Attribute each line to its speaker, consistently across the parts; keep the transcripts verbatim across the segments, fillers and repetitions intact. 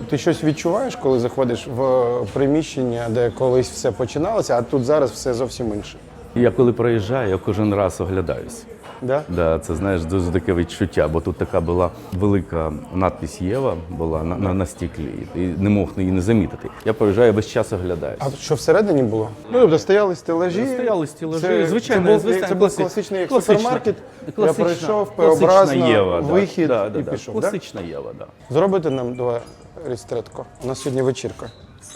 Speaker 1: Ти щось відчуваєш, коли заходиш в приміщення, де колись все починалося, а тут зараз все зовсім інше?
Speaker 2: Я коли проїжджаю, я кожен раз оглядаюсь.
Speaker 1: Да?
Speaker 2: Да, це, знаєш, дуже таке відчуття, бо тут така була велика надпись «Єва» була на, на, на стіклі, і не мог її не замітити. Я проїжджаю, весь час оглядаюсь.
Speaker 1: А що всередині було? Ну, тобто стояли стелажі.
Speaker 2: Стояли стелажі,
Speaker 1: Це,
Speaker 2: звичайно,
Speaker 1: це був,
Speaker 2: звичайно,
Speaker 1: це був
Speaker 2: класи-
Speaker 1: класичний як
Speaker 2: класична-
Speaker 1: супермаркет. Я
Speaker 2: класична-
Speaker 1: пройшов,
Speaker 2: класична
Speaker 1: П-образно,
Speaker 2: Єва, да,
Speaker 1: вихід
Speaker 2: да, да,
Speaker 1: і
Speaker 2: да.
Speaker 1: пішов. Да?
Speaker 2: Класична Єва, так. Да.
Speaker 1: Зробите нам два рістретко. У нас сьогодні вечірка.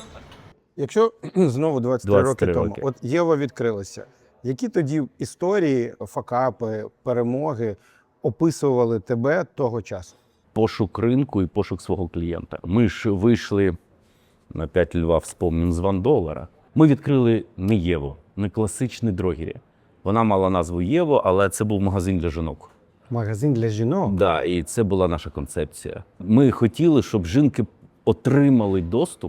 Speaker 1: Якщо знову двадцять три роки
Speaker 2: двадцять три
Speaker 1: тому,
Speaker 2: роки.
Speaker 1: от Єва відкрилася, які тоді історії, факапи, перемоги описували тебе того часу?
Speaker 2: Пошук ринку і пошук свого клієнта. Ми ж вийшли на п'ять льва, вспомним, з Ван Долара. Ми відкрили не Єву, не класичний дрогері. Вона мала назву Єво, але це був магазин для жінок.
Speaker 1: Магазин для жінок?
Speaker 2: Да, і це була наша концепція. Ми хотіли, щоб жінки отримали доступ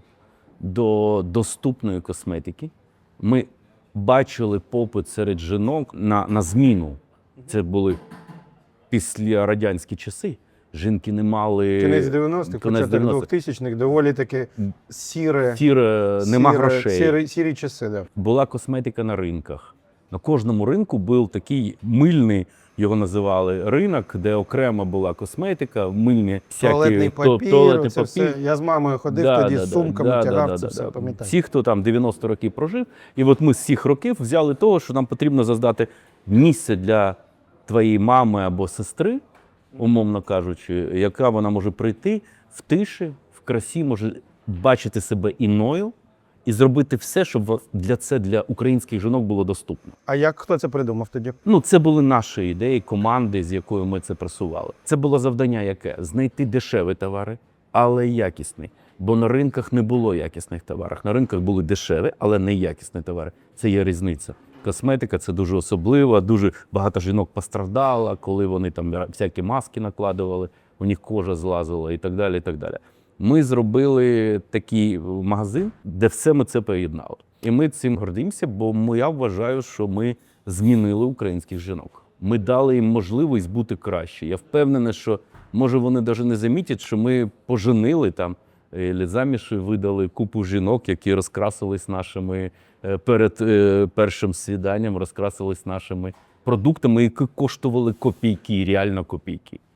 Speaker 2: до доступної косметики. Ми бачили попит серед жінок на, на зміну. Це були післярадянські часи. Жінки не мали...
Speaker 1: Кінець дев'яностих, початок двохтисячних, доволі таки сіре,
Speaker 2: Сіре, нема
Speaker 1: сіре,
Speaker 2: грошей.
Speaker 1: Сірі, сірі часи, да.
Speaker 2: Була косметика на ринках. На кожному ринку був такий мильний, його називали ринок, де окремо була косметика, мильні всякі
Speaker 1: Туалетний
Speaker 2: то-
Speaker 1: папір,
Speaker 2: туалетний
Speaker 1: це все. Я з мамою ходив
Speaker 2: Да,
Speaker 1: тоді
Speaker 2: да,
Speaker 1: з
Speaker 2: да,
Speaker 1: сумками,
Speaker 2: да,
Speaker 1: тягав
Speaker 2: да,
Speaker 1: це
Speaker 2: да,
Speaker 1: все,
Speaker 2: да.
Speaker 1: пам'ятаю.
Speaker 2: Всі, хто там дев'яносто років прожив, і от ми з цих років взяли того, що нам потрібно создати місце для твоєї мами або сестри, умовно кажучи, яка вона може прийти в тиші, в красі, може бачити себе іною і зробити все, щоб для це для українських жінок було доступно.
Speaker 1: А як хто це придумав тоді?
Speaker 2: Ну, це були наші ідеї, команди, з якою ми це просували. Це було завдання яке? Знайти дешеві товари, але якісні. Бо на ринках не було якісних товарів. На ринках були дешеві, але не якісні товари. Це є різниця. Косметика – це дуже особливо, дуже багато жінок постраждало, коли вони там всякі маски накладували, у них кожа злазила і так далі, і так далі. Ми зробили такий магазин, де все ми це поєднали. І ми цим гордимося, бо ми, я вважаю, що ми змінили українських жінок. Ми дали їм можливість бути краще. Я впевнений, що, може, вони навіть не замітять, що ми поженили там, і заміж видали купу жінок, які розкрасились нашими, перед першим свіданням розкрасились нашими продуктами, які коштували копійки, реально копійки.